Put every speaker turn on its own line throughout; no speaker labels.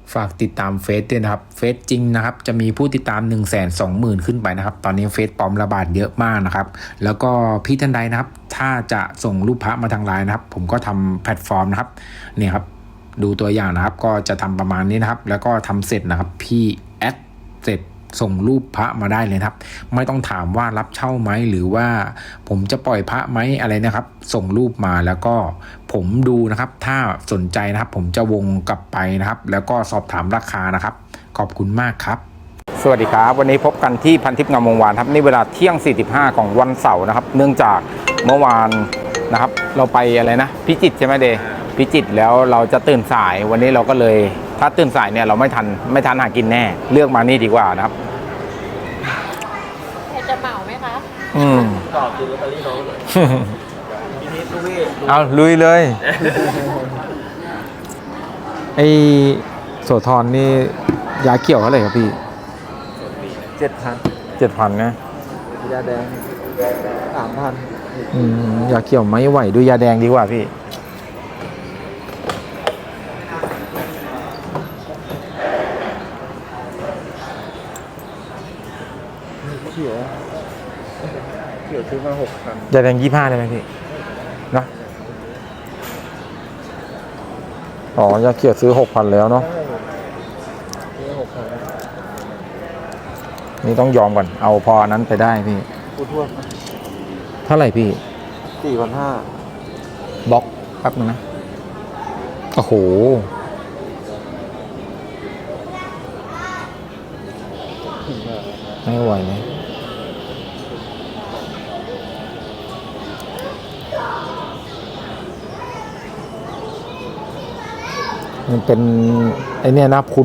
ฝากติดตามเฟซด้วยนะครับเฟซจริงนะครับจะมีผู้ติดตาม 120,000 ขึ้นไปนะครับตอนนี้เฟซปลอมระบาดเยอะมากนะครับแล้วก็พี่ท่านใดนะครับถ้าจะส่งรูปพระมาทางไลน์นะครับผมก็ทำแพลตฟอร์มนะครับเนี่ยครับดูตัวอย่างนะครับก็จะทำประมาณนี้นะครับแล้วก็ทำเสร็จนะครับพี่แอดเสร็จส่งรูปพระมาได้เลยครับไม่ต้องถามว่ารับเช่าไหมหรือว่าผมจะปล่อยพระไหมอะไรนะครับส่งรูปมาแล้วก็ผมดูนะครับถ้าสนใจนะครับผมจะวงกลับไปนะครับแล้วก็สอบถามราคานะครับขอบคุณมากครับสวัสดีครับวันนี้พบกันที่พันทิพย์งามวงวานครับนี่เวลาเที่ยง45ของวันเสาร์นะครับเนื่องจากเมื่อวานนะครับเราไปอะไรนะพิจิตรใช่ไหมเดพิจิตรแล้วเราจะตื่นสายวันนี้เราก็เลยถ้าตื่นสายเนี่ยเราไม่ทันหากินแน่เลือกมานี่ดีกว่านะครับ
จะเหมาไหมคะ
ต่อซื้อลอตเตอรี่น้องเลยพี่นิดลูกพี่
เอาลุยเลย ไอโสธรนี่ยาเกี่ยวเท่าไหร่ครับพี่7,000นะ
ยาแดง
3,000ยาเกี่ยวไม่ไหวดูยาแดงดีกว่าพี่
เขียวซื้อมา6,000
ยาแดง25ได้ไหมพี่นะอ๋อยาเกี่ยวซื้อ 6,000 แล้วเนาะนี่ต้องยอมก่อนเอาพอนั้นไปได้พี่
กูทวด
เท่าไหร่พี่
4,500
บล็อกแป๊บนึงนะโอ้โหไม่ไหวเลยมันเป็นไอเนี่ยนะคุณ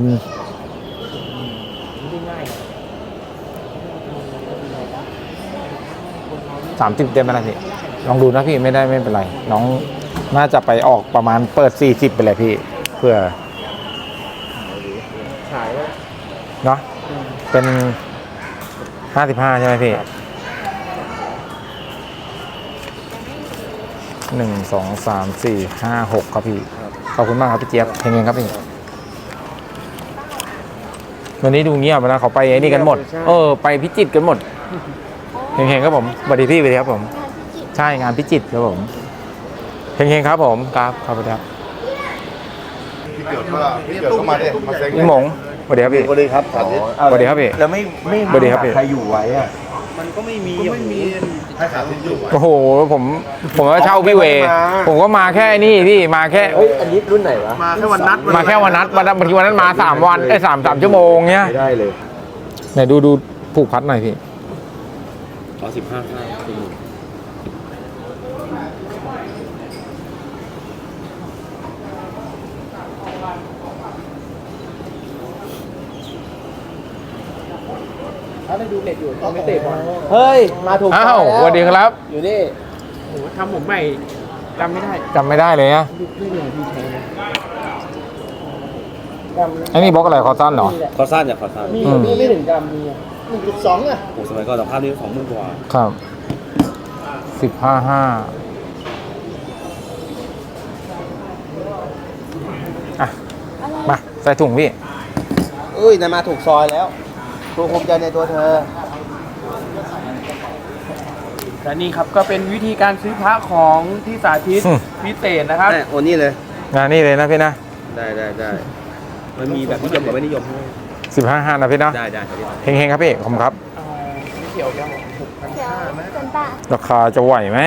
30เต็มไปแล้วพี่ลองดูนะพี่ไม่เป็นไรน้องน่าจะไปออกประมาณเปิด40ไปเลยพี่เพื่อ
ขาย
เนาะเป็น55ใช่ไหมพี่1 2 3 4 5 6ครับพี่ขอบคุณมากครับพี่เจี๊ยบเฮงๆครับพี่วันนี้ดูเงียบนะเขาไปไอ้นี่กันหมดไปพิจิตรกันหมดเฮงๆครับผมสวัสดีพี่สวัสดีครับผมใช่งานพิจิตรครับผมเฮงๆครับผมครับขอบคุณครับ
พี่เกิดก็มาดิมาเซ็ง
พี่หมงสวัสดีครับพี่
สวัสดีครับ
สวัสดีครับพี่
แล้วไม่
สวัสดีครับพี่
ใครอยู่ไว้อะมันก็ไม่มี
ให้ขาทิ้งอยู่
โอ้โหผมก็เช่าพี่เวผมก็มาแค่นี่พี่มาแค่
อันนี้รุ่นไหนวะ
มาแค่วันนัด
มาแค่วันนัดบางทีวันนั้นมา3 วัน3 ชั่วโมงเนี้ย
ไม่ได้เลย
ไหนดูผูกพัดหน่อยพี่
15ถ้าได้ดูเน็ตอยู่ต้องไม่เตะบอลเฮ้ยมาถูก
อ้าวสวัสดีครับ
อยู่นี่โอ้ทำผมใหม่จำไม่
ได้เลยนะไอ้นี่บล็อกอะไรคอสั้นเหรอ
คอสั้นอย่าคอสั้นมีไม่ถึงจำมี1.2อ่ะโอ้สมัยก่อนสภาพนี้20,000 กว่า
ครับ15,500อ่ะมาใส่ถุงพี่
นายมาถูกซอยแล้วตัวภูมิใจในตัวเธอและนี่ครับก็เป็นวิธีการซื้อพระของที่สาธิตพิเศษนะครับโอ้นี่เลย
งานนี่เลยนะพี่นะ
ได้มันมีแบบนิยมกับไม่นิยม
15,500นะพี่นะ
ได้
เฮงๆครับพี่ขอบคุณครับ
ไม่เกี่ยวยัง6,500ไหม
ราคาจะไหวไหม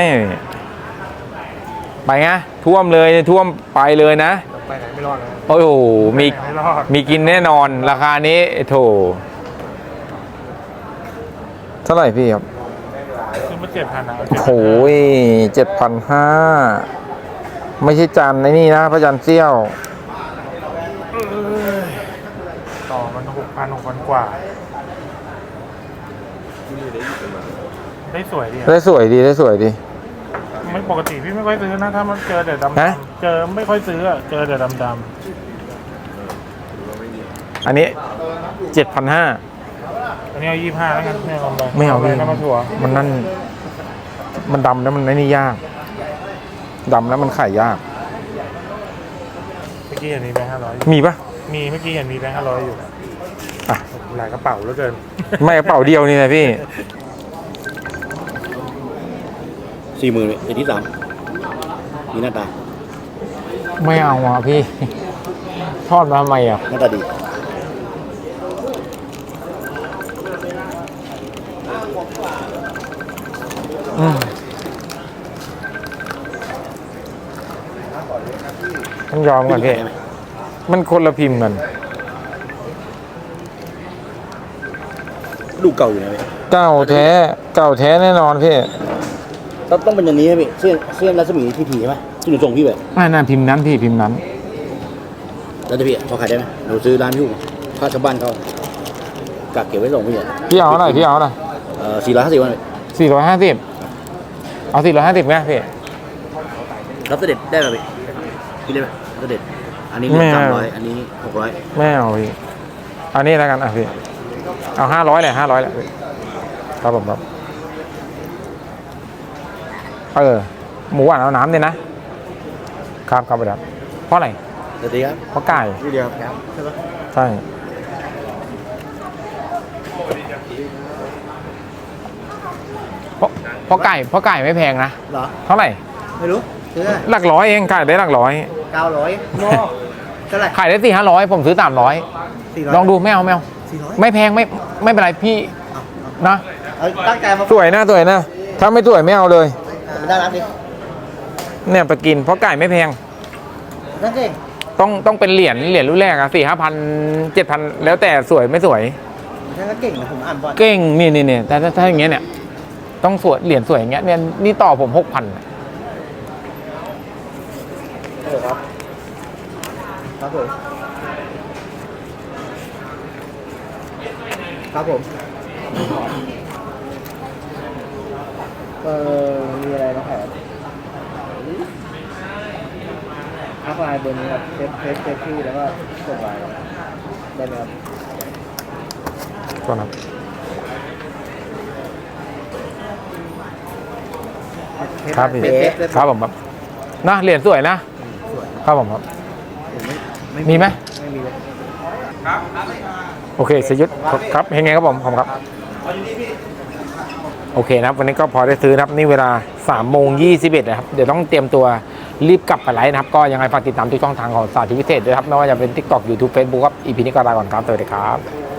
ไปไงท่วมเลยท่วมไปเลยนะ
ไปไหนไม่รอดเลย
โอ้โหมีกินแน่นอนราคานี้โถเท่าไหร่พี่ครับ
ซื้อมา7,000นะ
โอ้ย7,500ไม่ใช่จานในนี่นะพระจันทร์เซี่ยว
ต่อมัน6,000 กว่าได้สวยดีไม่ปกติพี่ไม่ค่อยซื้อนะถ้ามันเจอแต่ดำเจอไม่ค่อยซื้อเจอแต่ดำ
อันนี้7,500
อันนี้เอา25แล้วกัน
ไม่เอาพี่มันนั่นมันดำแล้วมันนี่ยากดำแล้วมันขายยาก
เมื่อกี้อันนี้ไป500
มีปะ
มีเมื่อกี้เห็นมีแบงค์500อยู่
อ่ะ
หลายกระเป๋าเหลือเกิน
ไม่กระเป๋าเดียวนี่นะพี่
40,000ไอ้ที่3มีหน้าตา
ไม่เอาอ่ะพี่ ทอดมาทำไมอ่ะ
หน้าตาดี
ต้องยอมก่อนพี่
ใช่ไหม
มันคนละพิมพ์กัน
ลูกเก่าอยู่นะพี่
เก่าแท้แน่นอนพี่
ต้องเป็นอย่างนี้ไหมพี่เส้นรัศมีที่ผีใช่ไหมที่หนูส่งพี่ไป
ไม่น่าพิมพ์นั้นพี่พิมพ์นั้น
แล้วจะพี่เขาขายได้ไหมหนูซื้อร้านพี่ค่าชาวบ้านเขากักเก็บไว้ส่งพี่อ่ะ
พี่เอาหน่อยพี่เอาหน่อย
450 วัน
450 เอา450ไหมพี่
รับเสด็จได้ไหมพี่ได้ไหมรับเสด็จอันนี้
ไม่เอา
300อันนี้600
ไม่เอาพี่เอานี่แล้วกันอ่ะพี่เอา500เลย500แหละพี่ครับผมครับหมูหวานเอาน้ำเนี่ยนะครับครับครับเพราะอะไร
สวัสดีครับ
เพราะไก่
พี่เดียวครับใช่ปะ
ใช่เพราะไก่ไม่แพงนะ
เหรอ
เท่าไหร่
ไม่รู้ซื้อ
หลักร้อยเองขายได้หลักร้อย
900เท่าไหร่
ขายได้400-500ผมซื้อ300ลองดูไม่เอา
400
ไม่แพงไม่เป็นไรพี่นะ
ตั้งใจมา
สวยนะถ้าไม่สวยไม่เอาเลย
ได้รับดิ
เนี่ยไปกินเพราะไก่ไม่แพง
นั่นเอง
ต้องเป็นเหรียญรุ่นแรกอะ4,000-5,000 7,000แล้วแต่สวยไม่สวย
นั่นก็เก่งนะผมอ่านบอล
เก่งนี่แต่ถ้าอย่างเงี้ยเนี่ยต้องสวยเหรียญสวยอย่างเงี้ยเนี่ยนี่ต่อผม6,000
ครับครับผมครับผมมีอะไรมาขายทักไลน์เบอร์นี้ครับเซฟชื่อแล้วก็ส่งไลน์ได้ไหมครับ
ก่อนครับ ครับพี่ครับผมครับนะเหรียญสวยนะครับผมครับมีไหม
ไม่มีเลย
โอเคสยุทธครับเฮงไงครับผมครับ โอเคนะครับวันนี้ก็พอได้ซื้อนะครับนี่เวลา3:21นะครับเดี๋ยวต้องเตรียมตัวรีบกลับไปไลฟ์นะครับก็ยังไงฝากติดตามทุกช่องทางของสาธิตพิเศษด้วยครับไม่ว่าจะเป็น TikTok YouTube Facebook ครับ EP นี้ก็ลาก่อนครับสวัสดีครับ